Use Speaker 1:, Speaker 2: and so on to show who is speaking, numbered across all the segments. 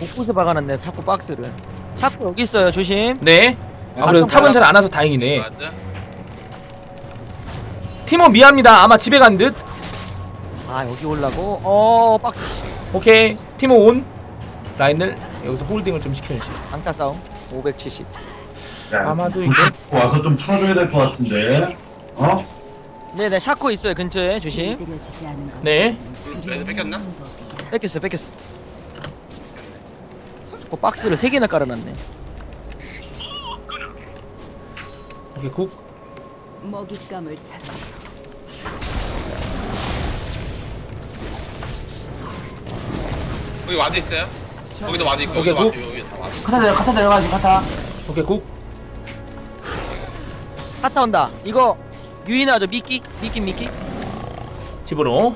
Speaker 1: 곳곳에 박아놨네. 자꾸 박스를. 자꾸 여기 있어요. 조심.
Speaker 2: 네. 아 그래도 탑은 잘 안 와서 다행이네. 티모 미안합니다. 아마 집에 간 듯.
Speaker 1: 아 여기 올라고. 박스.
Speaker 2: 오케이. 티모 온. 라인을 여기서 홀딩을 좀 시켜야지.
Speaker 1: 강타 싸움. 570.
Speaker 3: 야,
Speaker 2: 아마도 이게
Speaker 3: 와서 좀 풀어줘야 될 것 같은데.
Speaker 1: 네네 샤코 있어요 근처에. 조심.
Speaker 2: 네.
Speaker 4: 레드 뺏겼나?
Speaker 1: 뺏겼어. 박스를 3개나 깔아놨네.
Speaker 2: 오케이 국.
Speaker 5: 먹잇감을 찾아서.
Speaker 4: 거기 와드 있어요? 거기도 와드 있고
Speaker 2: 오케이,
Speaker 4: 여기도 와드 여기 다 와드.
Speaker 6: 카타 내려가지 카타.
Speaker 2: 오케이 국.
Speaker 1: 갔다 온다. 이거 유인하죠. 미끼.
Speaker 2: 집으로.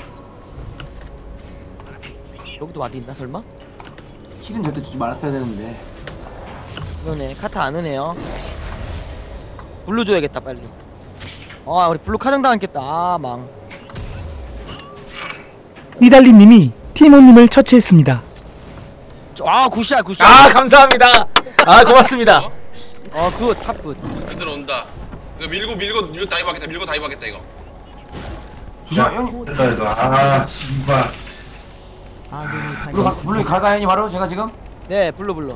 Speaker 1: 여기도 와드 있나 설마?
Speaker 6: 힐은 절대 주지 말았어야 되는데.
Speaker 1: 이거네. 카타 안 오네요. 블루 줘야겠다 빨리. 우리 블루 카정 당했겠다. 망.
Speaker 7: 니달리님이 티모님을 처치했습니다.
Speaker 1: 굿샷.
Speaker 2: 아 감사합니다. 아 고맙습니다.
Speaker 1: 굿. 탑 굿.
Speaker 4: 애들 온다. 이거 밀고 다이브하겠다. 밀고 다이브하겠다 이거.
Speaker 6: 조심해 형.
Speaker 3: 이거 씨발.
Speaker 6: 물론 갈까요 형님 바로 제가 지금?
Speaker 1: 네 블루.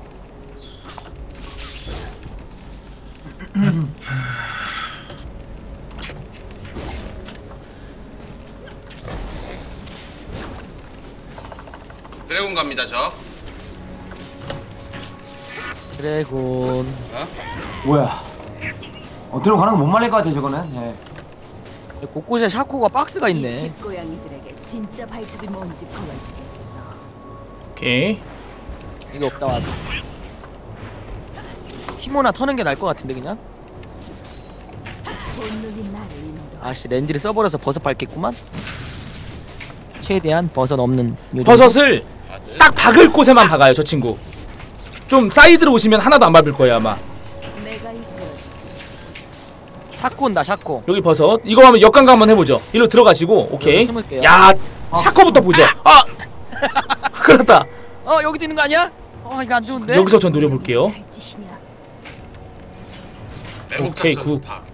Speaker 4: 드래곤 갑니다 저.
Speaker 1: 드래곤.
Speaker 6: 뭐야? 들어 가는 거 못 말릴 것 같아 저거는. 예.
Speaker 1: 곳곳에 샤코가 박스가 있네.
Speaker 5: 집고양이들에게 진짜 발톱이 뭔지 보여주겠어.
Speaker 2: 오케이.
Speaker 1: 이거 없다 와도. 티모나 터는 게 나을 것 같은데 그냥.
Speaker 5: 본능이 나를 인도.
Speaker 1: 아씨 렌즈를 써버려서 버섯 밟겠구만. 최대한 버섯 없는 요정.
Speaker 2: 버섯을 딱 박을 곳에만 박아요 저 친구. 좀 사이드로 오시면 하나도 안 밟을 거예요 아마.
Speaker 5: 내가 이끌어주지.
Speaker 1: 샤코 온다 샤코.
Speaker 2: 여기 버섯. 이거 하면 역광각 한번 해보죠. 일로 들어가시고 오케이.
Speaker 1: 여기 숨을게요.
Speaker 2: 야 샤코부터 보죠. 그렇다.
Speaker 1: 여기도 있는 거 아니야? 이거 안 좋은데?
Speaker 2: 여기서 전 노려볼게요.
Speaker 5: 할 짓이냐?
Speaker 2: 오케이,
Speaker 4: 매복탑
Speaker 2: 굿.
Speaker 4: 좋다.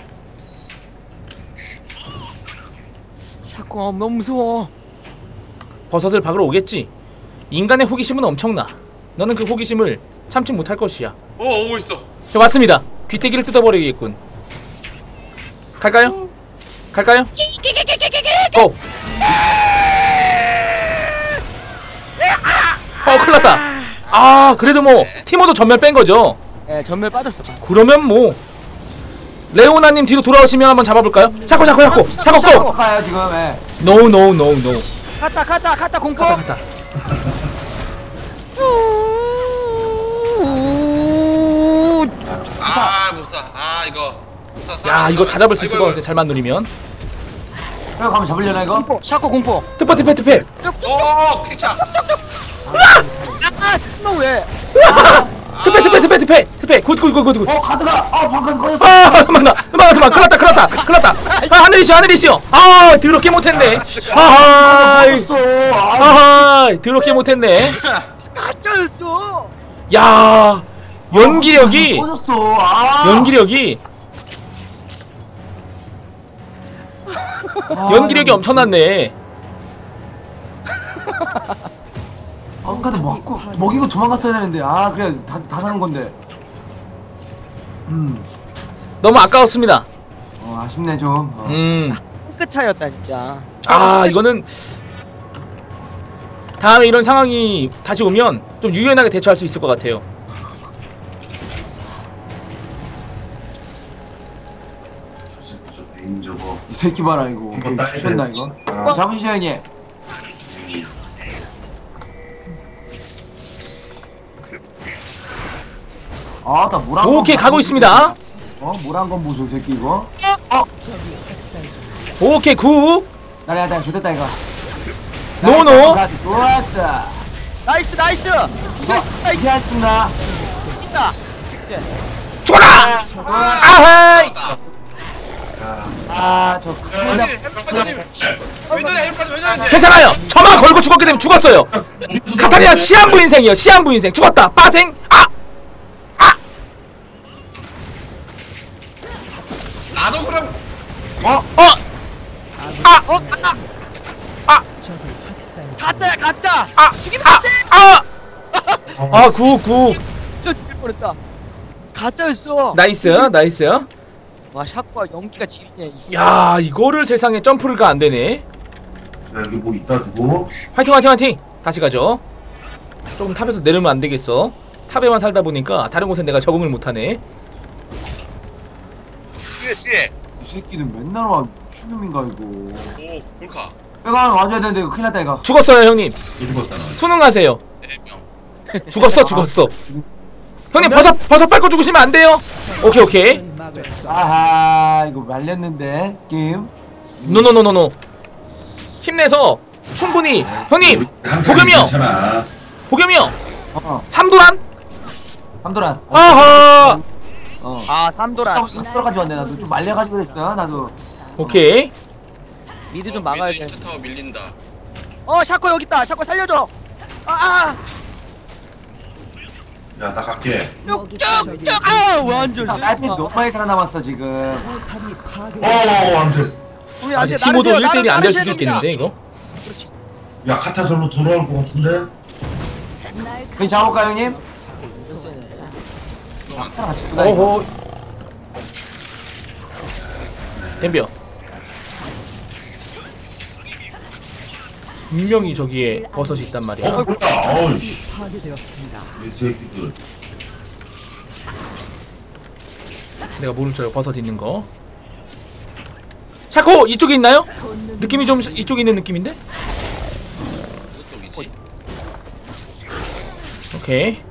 Speaker 1: 샤코 너무 무서워.
Speaker 2: 버섯을 박으러 오겠지. 인간의 호기심은 엄청나. 너는 그 호기심을 참지 못할 것이야.
Speaker 4: 오고 있어.
Speaker 2: 저 왔습니다. 귀때기를 뜯어버리겠군. 갈까요? 고! 큰일났다. 그래도 뭐 티모도 전멸 뺀거죠.
Speaker 1: 네 전멸 빠졌어.
Speaker 2: 그러면 뭐 레오나님 뒤로 돌아오시면 한번 잡아볼까요? 샤코 고!
Speaker 6: 가요 지금. 예.
Speaker 2: 노.
Speaker 1: 갔다 공포.
Speaker 2: 갔다.
Speaker 4: 못사. 이거 못사.
Speaker 2: 야 이거 다 잡을 수 있을 것 같아 잘만 누리면.
Speaker 6: 형 가면 잡으려나 이거?
Speaker 1: 샤코 공포.
Speaker 2: 트퍼
Speaker 4: 오 퀵차.
Speaker 1: 진짜 왜?
Speaker 2: 트페 굿
Speaker 6: 카드가 방금 꺼졌어.
Speaker 2: 그만 큰일났다. 하늘이시여 더럽게 못했네. 더럽게 못했네.
Speaker 1: 가짜였어.
Speaker 2: 야 연기력이
Speaker 6: 꺼졌어.
Speaker 2: 연기력이 엄청났네.
Speaker 6: 카드 먹이고 도망갔어야 되는데. 그래 다 사는 건데.
Speaker 2: 너무 아까웠습니다.
Speaker 6: 아쉽네 좀.
Speaker 1: 끝 차였다 진짜.
Speaker 2: 이거는 다음에 이런 상황이 다시 오면 좀 유연하게 대처할 수 있을 것 같아요.
Speaker 6: 이 새끼 봐라 이거. 미쳤나 이거. 잡으시죠 형님. 나 뭐란 건
Speaker 2: 오케이 가고 있습니다.
Speaker 6: 뭐란 건 보소 이 새끼 이거.
Speaker 2: 오케이 굿.
Speaker 6: 나 좋됐다 이거.
Speaker 2: 노노.
Speaker 6: 좋았어.
Speaker 1: 나이스.
Speaker 6: 이게 안 끝나.
Speaker 1: 있다.
Speaker 2: 죽어라. 아하이.
Speaker 6: 저
Speaker 4: 왜 저래? 왜 저러지?
Speaker 2: 괜찮아요. 저만 걸고 죽었기 때문에 죽었어요. 카타 그냥 시한부 인생이요. 시한부 인생. 죽었다. 빠생.
Speaker 4: 나도 그럼
Speaker 1: 가짜야 가짜. 죽이면
Speaker 2: 굿.
Speaker 1: 저 죽일 뻔했다. 가짜였어.
Speaker 2: 나이스.
Speaker 1: 와 샷과 연기가 지리네.
Speaker 2: 야, 이거를 세상에 점프가 안 되네.
Speaker 3: 야, 여기 뭐 있다 두고.
Speaker 2: 화이팅. 다시 가죠. 조금 탑에서 내려면 안 되겠어. 탑에만 살다 보니까 다른 곳에 내가 적응을 못 하네.
Speaker 4: 뒤에
Speaker 6: 이 새끼는 맨날 와. 미친놈인가 이거.
Speaker 4: 오 골카
Speaker 6: 내가 와줘야 되는데 이거 큰일 났다 이거.
Speaker 2: 죽었어요, 형님.
Speaker 3: 죽었다.
Speaker 2: 수능하세요.
Speaker 4: 4명.
Speaker 2: 죽었어. 형님 버섯 밟고 죽으시면 안 돼요. 오케이.
Speaker 6: 아하 이거 말렸는데 게임.
Speaker 2: 노노노노노. 힘내서 충분히. 형님 보겸이 형.
Speaker 3: 괜찮아.
Speaker 2: 보겸이 형.
Speaker 6: 어.
Speaker 2: 삼도란.
Speaker 6: 함도란.
Speaker 2: 아하.
Speaker 1: 아 삼도라.
Speaker 6: 함도라까지 왔네 나도 좀 말려가지고 그랬어 나도.
Speaker 2: 오케이.
Speaker 1: 미드 좀 막아야 돼.
Speaker 4: 2차 타워 밀린다.
Speaker 1: 샤코 여기 있다. 샤코 살려줘.
Speaker 3: 야, 나 갈게.
Speaker 1: 쭉쭉쭉. 완전
Speaker 6: 딸피 너무 많이 살아남았어 지금.
Speaker 3: 아무튼.
Speaker 1: 우리 안돼.
Speaker 2: 티모도 1대1이 안 될 수도 있겠는데 이거.
Speaker 1: 그렇지.
Speaker 3: 야, 카타 절로 돌아올 것 같은데?
Speaker 6: 그냥 잡아볼까 형님? 카타랑 같이 보다 이거.
Speaker 2: 오호. 덤벼. 분명히 저기에 버섯이 있단 말이야.
Speaker 3: 뭐야? 어이씨. 이 새끼들.
Speaker 2: 내가 모를 줄 알고 버섯 있는 거. 샤코 이쪽에 있나요? 느낌이 좀 이쪽에 있는 느낌인데?
Speaker 4: 그쪽이지.
Speaker 2: 오케이.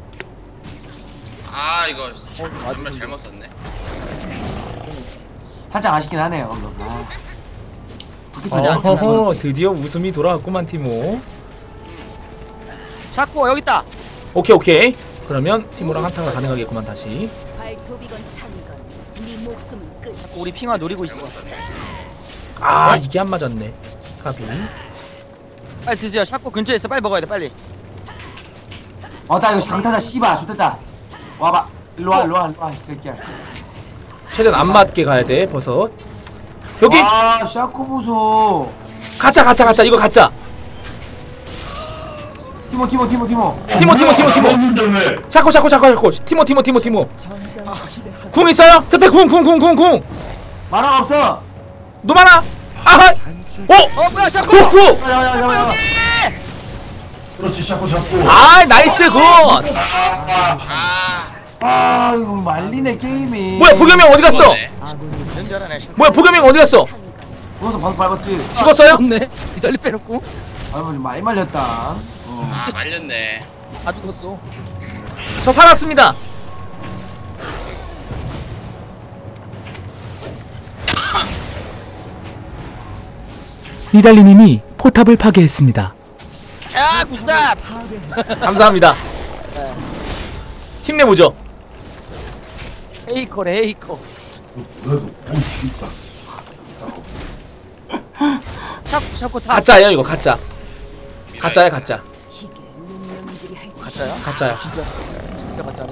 Speaker 4: 이거 정말 잘못 썼네.
Speaker 6: 살짝 아쉽긴 하네요 방금.
Speaker 2: 어허허, 드디어 웃음이 돌아왔구만 티모.
Speaker 1: 샤코 여기 있다.
Speaker 2: 오케이. 그러면 티모랑 한타가 가능하겠구만 다시.
Speaker 5: 발톱이건 창이건 네 목숨은 끝이.
Speaker 1: 우리 핑화 노리고 있어.
Speaker 4: 잘못 썼네.
Speaker 2: 이게 안 맞았네. 가비.
Speaker 1: 빨리 드세요. 샤코 근처에 있어. 빨리 먹어야 돼. 빨리.
Speaker 6: 나 이거 강타다 씨발 좋됐다. 와봐 일로와 이 새끼야.
Speaker 2: 최대한 안 맞게 가야 돼 버섯. 여기
Speaker 6: 샤코 보소.
Speaker 2: 가짜 이거 가짜.
Speaker 6: 티모.
Speaker 2: 티모.
Speaker 3: 없는데 왜?
Speaker 2: 샤코. 티모. 궁 있어요? 특패 궁.
Speaker 6: 만화가 없어.
Speaker 2: 너 많아.
Speaker 1: 뭐야 샤코.
Speaker 2: 굿.
Speaker 6: 야.
Speaker 3: 그렇지, 샤코 잡고.
Speaker 2: 나이스 굿.
Speaker 6: 이거 말리네 게임이.
Speaker 2: 뭐야 보겸이 형 어디 갔어?
Speaker 1: 연잘하네. 샤코.
Speaker 2: 뭐야 보겸이 형 어디 갔어?
Speaker 6: 죽어서 방금 밟았지.
Speaker 2: 죽었어요?
Speaker 1: 없네. 니달리 빼놓고.
Speaker 6: 좀 많이 말렸다.
Speaker 4: 말렸네.
Speaker 1: 다 죽었어.
Speaker 2: 저 살았습니다.
Speaker 7: 니달리님이 포탑을 파괴했습니다.
Speaker 1: 야 굿삽.
Speaker 2: 감사합니다. 힘내보죠.
Speaker 1: 헤이커.
Speaker 3: 그래도, 씨발.
Speaker 1: 샤코 타.
Speaker 2: 가짜예요 이거 가짜. 가짜야.
Speaker 5: 이게 운명들이 할
Speaker 1: 가짜야?
Speaker 2: 가짜야.
Speaker 1: 진짜 가짜네.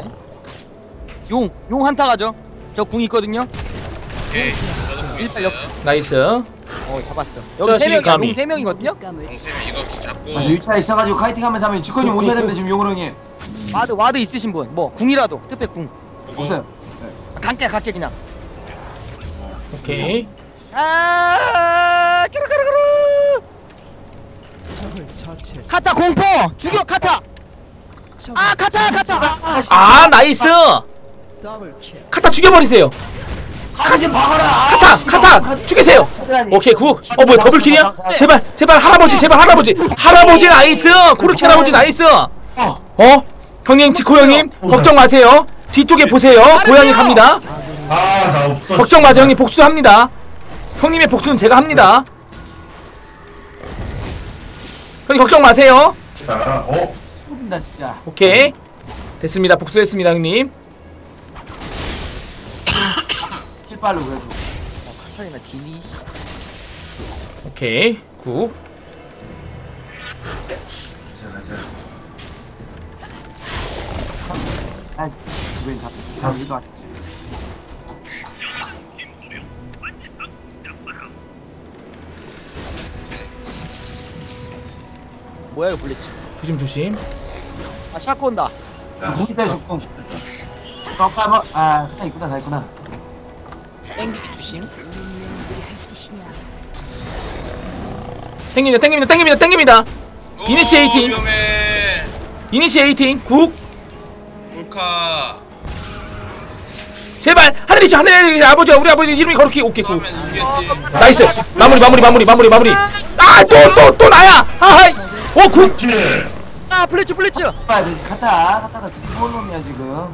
Speaker 1: 용 한타 가죠. 저 궁 있거든요.
Speaker 4: 오케이. 저도 보고
Speaker 1: 일단
Speaker 4: 있어요.
Speaker 2: 나이스.
Speaker 1: 잡았어.
Speaker 2: 저
Speaker 1: 여기 세 명이야.
Speaker 2: 감히.
Speaker 1: 용 3명이거든요.
Speaker 4: 영세면 이거 잡고.
Speaker 6: 맞아 6차 있어가지고 카이팅하면서 하면 주권이 오셔야 됩니다 지금 용으로 형님.
Speaker 1: 와드 있으신 분. 뭐 궁이라도. 특패 궁.
Speaker 6: 보세요.
Speaker 1: 갈게 그냥.
Speaker 2: 오케이.
Speaker 1: 까르르르. 카타 공포. 죽여 카타. 카타.
Speaker 2: 나이스. 카타 죽여버리세요.
Speaker 6: 가지 박아라.
Speaker 2: 카타 죽이세요. 오케이 굿. 뭐야 더블킬이야? 제발 할아버지 나이스. 코르키 할아버지 나이스. 형님 지코 형님 걱정 마세요. 뒤쪽에 보세요. 고양이 갑니다.
Speaker 3: 나 없어.
Speaker 2: 걱정 마세요 형님 복수합니다. 형님의 복수는 제가 합니다. 형님 걱정 마세요.
Speaker 6: 쏟긴다 진짜.
Speaker 2: 오케이 됐습니다. 복수했습니다 형님.
Speaker 6: 킬빨로 그래도.
Speaker 1: 카타리나 딜이.
Speaker 2: 오케이 굿.
Speaker 3: 가자.
Speaker 6: 아, 집에 다 이거 아니야.
Speaker 1: 뭐야 이거 블리츠.
Speaker 2: 조심 조심.
Speaker 1: 아 샤코 온다.
Speaker 6: 궁 있어요, 저 궁. 한번 아, 다 있구나, 다 있구나.
Speaker 1: 땡기기 조심.
Speaker 5: 운명들이 할 짓이냐.
Speaker 2: 땡깁니다 땡깁니다 땡깁니다 땡깁니다. 이니시에이팅.
Speaker 4: 위험해.
Speaker 2: 이니시에이팅 국.
Speaker 4: 몰카.
Speaker 2: 제발 하늘이시 하늘 아버지 우리 아버지 이름이 거룩히 오케이 국.
Speaker 4: 하면 이겼지.
Speaker 2: 나이스. 마무리. 아 또 나야. 아하이. 오 국.
Speaker 3: 그렇지.
Speaker 1: 아 블리츠.
Speaker 6: 아, 갔다가 스몰놈이야 지금.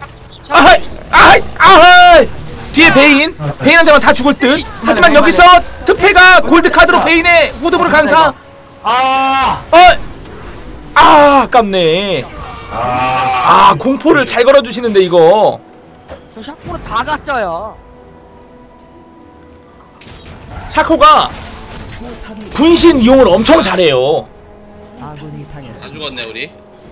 Speaker 2: 아하이. 뒤에 베인한테만 다 죽을 듯. 하지만 여기서 특패가 골드 카드로 베인의 후드부를 강타. 아깝네. 공포를 잘 걸어주시는데 이거.
Speaker 1: 저 샤코는 다 가짜야.
Speaker 2: 샤코가 분신 이용을 엄청 잘해요.
Speaker 4: 다 죽었네 우리.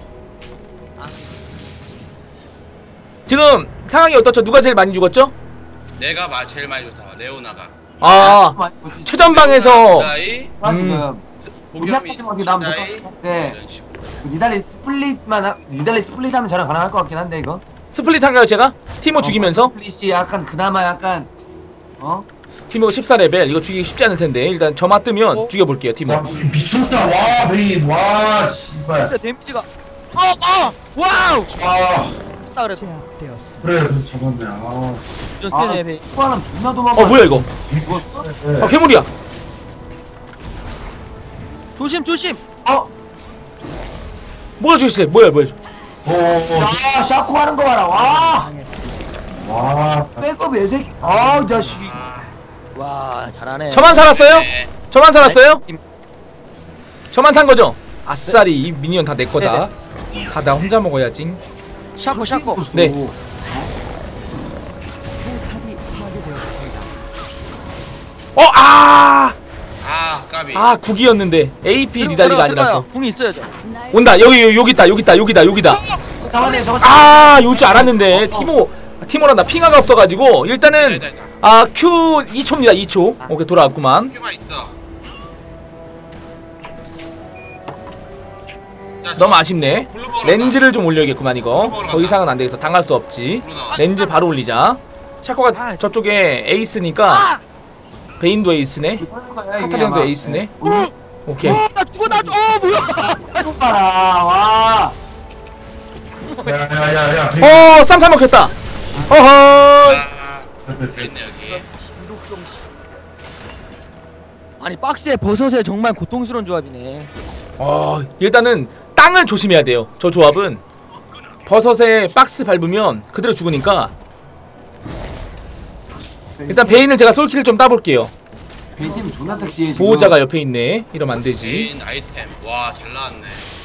Speaker 2: 지금 상황이 어떻죠? 누가 제일 많이 죽었죠?
Speaker 4: 내가 제일 많이 줬어. 레오나가.
Speaker 2: 최전방에서
Speaker 6: 지금
Speaker 4: 보겸이
Speaker 6: 우리 나면
Speaker 4: 진짜이
Speaker 6: 네.
Speaker 4: 이런 식으로.
Speaker 6: 니달리 스플릿 하면 저랑 가능할 것 같긴 한데 이거.
Speaker 2: 스플릿 한가요 제가? 티모 죽이면서?
Speaker 6: 스플릿이 약간 그나마 약간
Speaker 2: 티모 14레벨 이거 죽이기 쉽지 않을 텐데 일단 점화 뜨면 죽여볼게요 티모.
Speaker 3: 자, 미쳤다. 와, 베인. 와, 씨발.
Speaker 1: 근데 데미지가 와우.
Speaker 3: 아,
Speaker 1: 했다 그래도.
Speaker 3: 그래, 잡았네. 아,
Speaker 1: 좀
Speaker 6: 아,
Speaker 1: 세네 베인.
Speaker 6: 수아는 존나 도망가.
Speaker 2: 뭐야 이거?
Speaker 6: 죽었어?
Speaker 2: 괴물이야.
Speaker 1: 조심.
Speaker 2: 뭐야 죽였어요? 뭐야
Speaker 6: 야, 샤코 하는 거 봐라.
Speaker 3: 와,
Speaker 6: 백업 애새끼. 이 자식이.
Speaker 1: 와 잘하네.
Speaker 2: 저만 살았어요?
Speaker 4: 네.
Speaker 2: 저만 살았어요?
Speaker 1: 임-
Speaker 2: 저만 산 거죠? 아싸리 이 미니언 다 내 거다. 다 나 혼자 먹어야지.
Speaker 1: 샤코.
Speaker 2: 네.
Speaker 4: 까비.
Speaker 2: 국이었는데 AP 니달리가 아니라서.
Speaker 1: 궁이 있어야죠.
Speaker 2: 온다. 여기다.
Speaker 6: 잠깐만요, 저거.
Speaker 2: 요 줄 알았는데 티모랑 나 핑화가 없어가지고 일단은 Q 2초입니다. 2초. 오케이 돌아왔구만.
Speaker 4: 큐만 있어. 자,
Speaker 2: 너무 아쉽네.
Speaker 4: 블루 먹으러
Speaker 2: 렌즈를 좀 올려야겠구만 이거. 더 이상은 안 되겠어. 당할 수 없지. 렌즈 바로 올리자. 샤코가 저쪽에 에이스니까 베인도 에이스네. 카타리안도 에이스네. 오케이.
Speaker 1: 나 죽어. 뭐야?
Speaker 6: 샤코 봐라. 와.
Speaker 3: 야, 베인.
Speaker 2: 쌈 먹혔다. 어허.
Speaker 4: 다 있네 여기.
Speaker 1: 아니 박스에 버섯에 정말 고통스러운 조합이네.
Speaker 2: 일단은 땅을 조심해야 돼요. 저 조합은 버섯에 박스 밟으면 그대로 죽으니까. 일단 베인을 제가 솔킬을 좀 따볼게요.
Speaker 6: 베인팀 존나 섹시해 지금.
Speaker 2: 보호자가 옆에 있네. 이러면 안 되지.
Speaker 4: 메인 아이템. 와 잘 나왔네.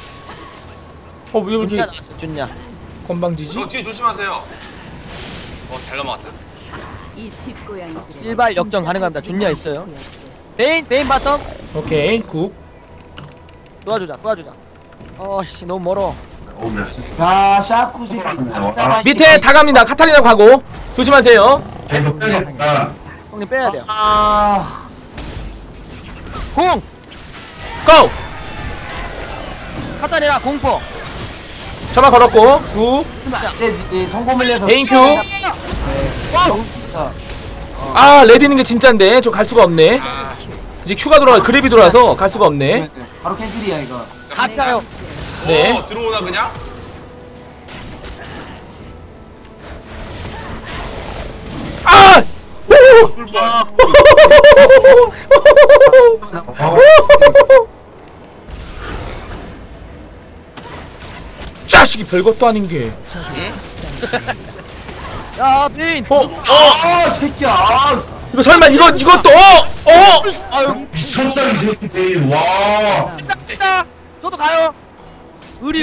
Speaker 2: 왜 이렇게
Speaker 1: 나왔어 좋냐.
Speaker 2: 건방지지?
Speaker 4: 뒤에 조심하세요. 잘 넘어갔다.
Speaker 5: 이 집고양이들은
Speaker 1: 일발 역전
Speaker 5: 진짜
Speaker 1: 가능합니다.
Speaker 5: 발톱이
Speaker 1: 존냐 있어요.
Speaker 5: 보였어.
Speaker 1: 베인 바텀
Speaker 2: 오케이 굿.
Speaker 1: 도와주자. 너무 멀어.
Speaker 6: 야, 샤코 새끼.
Speaker 2: 밑에 다 갑니다. 카타리나 가고 조심하세요.
Speaker 3: 이거 빼겠다.
Speaker 1: 형님 빼야 돼요. 공
Speaker 2: 고!
Speaker 1: 카타리나 공포.
Speaker 2: 저만 걸었고 굿.
Speaker 6: 성공을 해서
Speaker 2: 베인 큐.
Speaker 6: 와.
Speaker 2: 레드 있는 게 진짜인데 저 갈 수가 없네. 이제 큐가 돌아가 그랩이 돌아서 갈 수가 없네.
Speaker 6: 바로 캔슬이야 이거.
Speaker 1: 가짜요.
Speaker 2: 네.
Speaker 4: 들어오나 그냥? 출발.
Speaker 2: 자식이 별것도 아닌 게.
Speaker 1: 야 베인.
Speaker 6: 새끼야.
Speaker 2: 이거 설마 이것도
Speaker 1: 아유
Speaker 3: 미쳤다, 이 새끼 베인. 와.
Speaker 1: 있다. 저도 가요. 의리.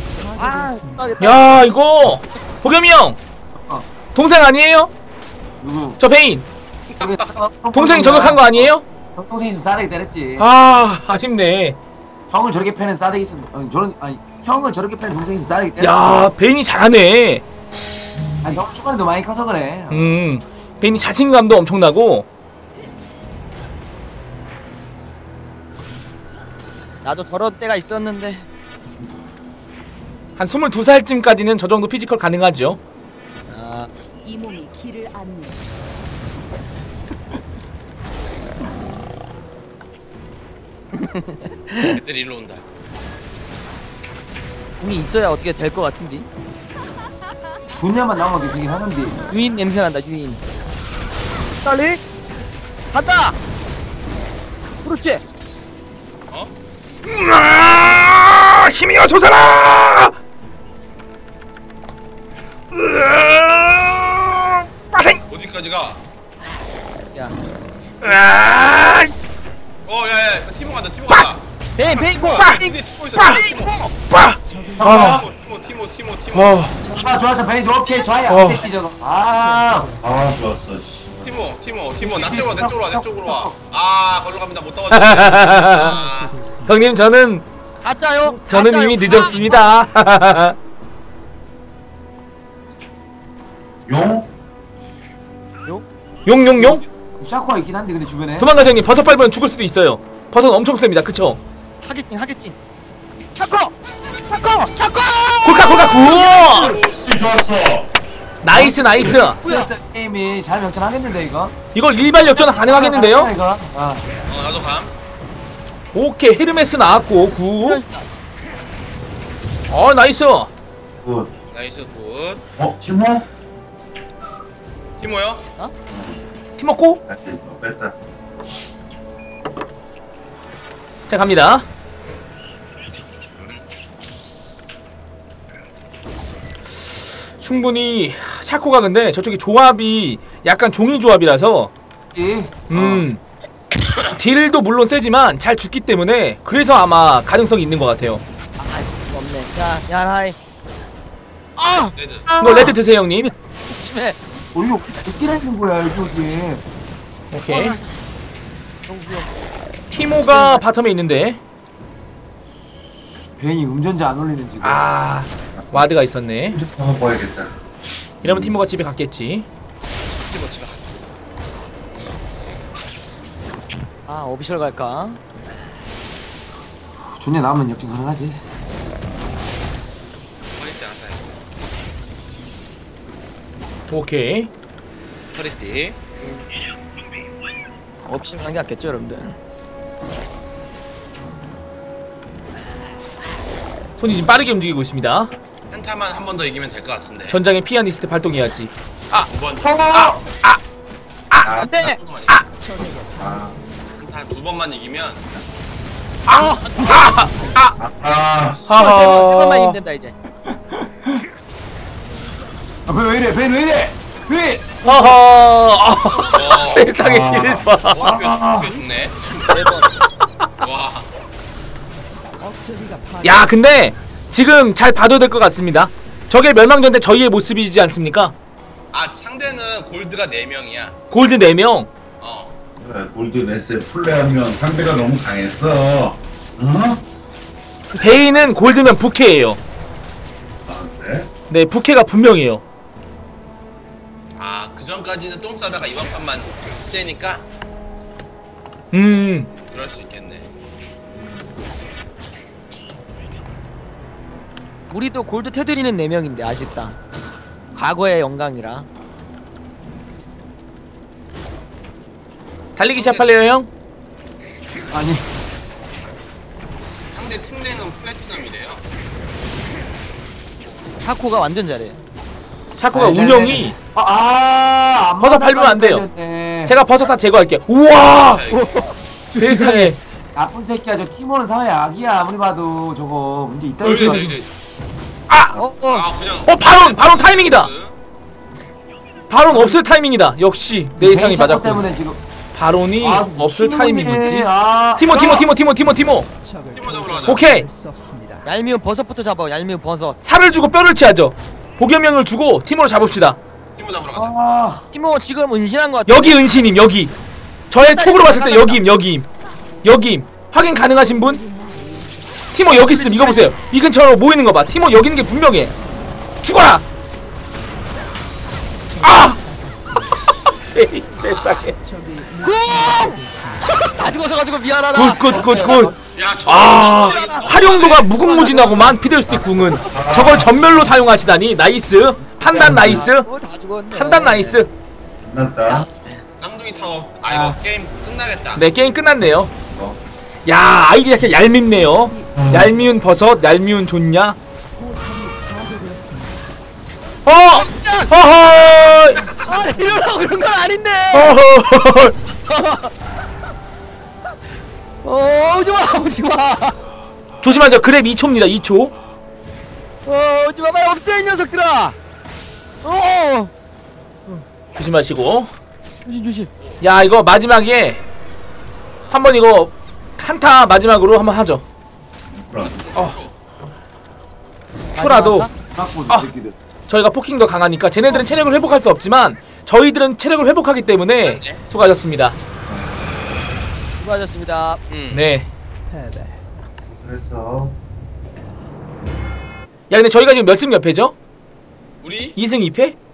Speaker 2: 야 이거 보겸이 형 동생 아니에요?
Speaker 6: 누구?
Speaker 2: 저 베인 동생이 저격한 거 아니에요?
Speaker 6: 동생이 좀 싸대기 때렸지.
Speaker 2: 아쉽네.
Speaker 6: 형을 저렇게 패는 싸대기 있어. 형을 저렇게 패는 동생이 좀 싸대기 때렸지.
Speaker 2: 야 베인이 잘하네.
Speaker 6: 아니 너무 초반에도 많이 커서 그래.
Speaker 2: 베인이 자신감도 엄청나고.
Speaker 1: 나도 저런 때가 있었는데.
Speaker 2: 한 22살쯤까지는 저 정도 피지컬 가능하죠.
Speaker 1: 아,
Speaker 5: 이 몸이 길을 안내.
Speaker 4: 애들이 일로 온다.
Speaker 1: 궁이 있어야 어떻게 될 것 같은데.
Speaker 6: 분야만 나온 게 되긴 하는데.
Speaker 1: 유인 냄새 난다. 유인. 빨리 간다. 그렇지.
Speaker 4: 어?
Speaker 2: 힘이여 솟아라! 빠생!
Speaker 4: 어디까지 가?
Speaker 1: 야,
Speaker 4: 야야 티모 간다. 티모 간다.
Speaker 1: 베인 베인 고.
Speaker 4: 티모 있어. 티모.
Speaker 2: 빠! 아,
Speaker 4: 티모.
Speaker 2: 어,
Speaker 6: 좋았어 베인 오케이 좋아요.
Speaker 2: 어.
Speaker 6: 이 새끼 저거. 아.
Speaker 3: 아 좋았어 씨.
Speaker 4: 티모 내 쪽으로 와. 아 걸로 갑니다. 못 따왔네. 아,
Speaker 2: 형님 저는
Speaker 1: 가짜요?
Speaker 2: 이미 늦었습니다.
Speaker 3: 용?
Speaker 2: 용용용?
Speaker 6: 샤코가 있긴 한데 근데 주변에.
Speaker 2: 도망가자 형님. 버섯 밟으면 죽을 수도 있어요. 버섯 엄청 셉니다. 그쵸?
Speaker 1: 하겠진. 차커.
Speaker 2: 골카 구!
Speaker 3: 씨 좋았어.
Speaker 2: 나이스.
Speaker 6: 그래서 게임이 잘 역전하겠는데 이거.
Speaker 2: 이걸 일반 역전 가능하겠는데요?
Speaker 6: 이거. 아.
Speaker 4: 나도 감.
Speaker 2: 오케이 헤르메스 나왔고 구. 나이스.
Speaker 3: 굿.
Speaker 4: 나이스 굿.
Speaker 3: 티모?
Speaker 4: 티모요?
Speaker 2: 팀 먹고
Speaker 3: 뺐다.
Speaker 2: 자 갑니다. 충분히 샤코가 근데 저쪽에 조합이 약간 종이 조합이라서 딜도 물론 세지만 잘 죽기 때문에 그래서 아마 가능성이 있는 것 같아요.
Speaker 1: 아, 없네. 자, 야하이.
Speaker 4: 레드.
Speaker 2: 이거 레드 드세요 형님.
Speaker 1: 조심해.
Speaker 6: 이거 어디라 있는 거야 여기.
Speaker 2: 오케이. 티모가 바텀에 있는데
Speaker 6: 베인이 음전자 안 올리는 지금.
Speaker 2: 와드가 있었네.
Speaker 3: 한번 봐야겠다.
Speaker 2: 이러면 티모가 집에 갔겠지.
Speaker 4: 티모 집에 갔어.
Speaker 1: 아, 오비셜 갈까?
Speaker 6: 존재 나오면 역전 가능하지.
Speaker 4: 허리띠 안 사요.
Speaker 2: 오케이.
Speaker 4: 허리띠.
Speaker 1: 오비셜 가는 게 낫겠죠, 여러분들.
Speaker 2: 손이 지금 빠르게 움직이고 있습니다.
Speaker 4: 한타만 한 번 더 이기면 될 것 같은데.
Speaker 2: 전장의 피아니스트 발동해야지.
Speaker 4: 2번.
Speaker 1: 안 돼!
Speaker 4: 한타 2번만 이기면
Speaker 1: 세 번만 이기면 된다, 이제.
Speaker 6: 왜 이래? 베인 왜 이래? 왜?
Speaker 2: 세상에 딜 봐.
Speaker 4: 어떻게 죽네.
Speaker 1: 네 번.
Speaker 4: 와.
Speaker 2: 야 근데 지금 잘 봐도 될 것 같습니다. 저게 멸망전 때 저희의 모습이지 않습니까?
Speaker 4: 상대는 골드가 4명이야.
Speaker 2: 골드 4명.
Speaker 3: 그래 골든에스에 플레이하면 상대가 너무 강했어.
Speaker 2: 베인은 골드면 부캐예요.
Speaker 3: 그래?
Speaker 2: 네 부캐가 분명해요.
Speaker 4: 그 전까지는 똥 싸다가 이번 판만 세니까 그럴 수 있겠네.
Speaker 1: 우리도 골드 테두리는 4명인데 아쉽다. 과거의 영광이라.
Speaker 2: 달리기 시합할래요 형?
Speaker 6: 아니.
Speaker 4: 상대 특례는 플래티넘이래요.
Speaker 1: 차코가 완전 잘해.
Speaker 2: 샤코가 운영이 버섯 밟으면 안 돼요. 제가 버섯 다 제거할게요. 우와 세상에.
Speaker 6: 나쁜 새끼야. 저 티모는 사회 악이야. 아무리 봐도 저거 문제 있다.
Speaker 2: 바론 타이밍이다. 바론 없을 타이밍이다. 역시 내 예상이 맞았고.
Speaker 6: 때문에 지금
Speaker 2: 바론이 없을 타이밍이지.
Speaker 4: 티모
Speaker 2: 티모.
Speaker 4: 잡으러 가자.
Speaker 2: 오케이.
Speaker 1: 얄미운 버섯부터 잡아. 얄미운 버섯.
Speaker 2: 살을 주고 뼈를 채하죠. 복염형을 주고 티모로 잡읍시다.
Speaker 4: 티모 잡으러 가자.
Speaker 1: 티모 지금 은신한 것 같아.
Speaker 2: 여기 은신임 여기. 저의 촉으로 봤을 때 여기임. 확인 가능하신 분? 티모 여기 있음. 이거 보세요. 이 근처로 모이는 거 봐. 티모 여기 있는 게 분명해. 죽어라. 세상에.
Speaker 1: 다 죽어서가지고 미안하다.
Speaker 2: 굿굿굿굿.
Speaker 4: 야, 저
Speaker 2: 아 활용도가 무궁무진하구만 피들스틱 궁은. 저걸 전멸로 사용하시다니 나이스. 판단 나이스.
Speaker 1: 다 죽었네.
Speaker 2: 판단 나이스.
Speaker 3: 끝났다.
Speaker 4: 쌍둥이 타워. 아 이거 게임 끝나겠다.
Speaker 2: 네 게임 끝났네요.
Speaker 3: 어.
Speaker 2: 야 아이디 약간 얄밉네요. 얄미운 버섯 얄미운 좋냐. 허허.
Speaker 1: 아, 이러려고 그런 건 아닌데.
Speaker 2: 허허.
Speaker 1: 오지마, 오지마.
Speaker 2: 조심하세요. 그랩 2초입니다. 2초.
Speaker 1: 오지마, 빨리 없애 이 녀석들아.
Speaker 2: 조심하시고.
Speaker 1: 조심, 조심.
Speaker 2: 야 이거 마지막에 한번 이거 한타 마지막으로 한번 하죠. 큐라도
Speaker 6: 깎고
Speaker 2: 아.
Speaker 6: 새끼들.
Speaker 2: 저희가 포킹도 강하니까 쟤네들은 체력을 회복할 수 없지만 저희들은 체력을 회복하기 때문에 수고하셨습니다.
Speaker 1: 수고하셨습니다.
Speaker 2: 네.
Speaker 3: 그래서
Speaker 2: 야 근데 저희가 지금 몇 승 몇 패죠?
Speaker 4: 우리
Speaker 2: 2승 2패?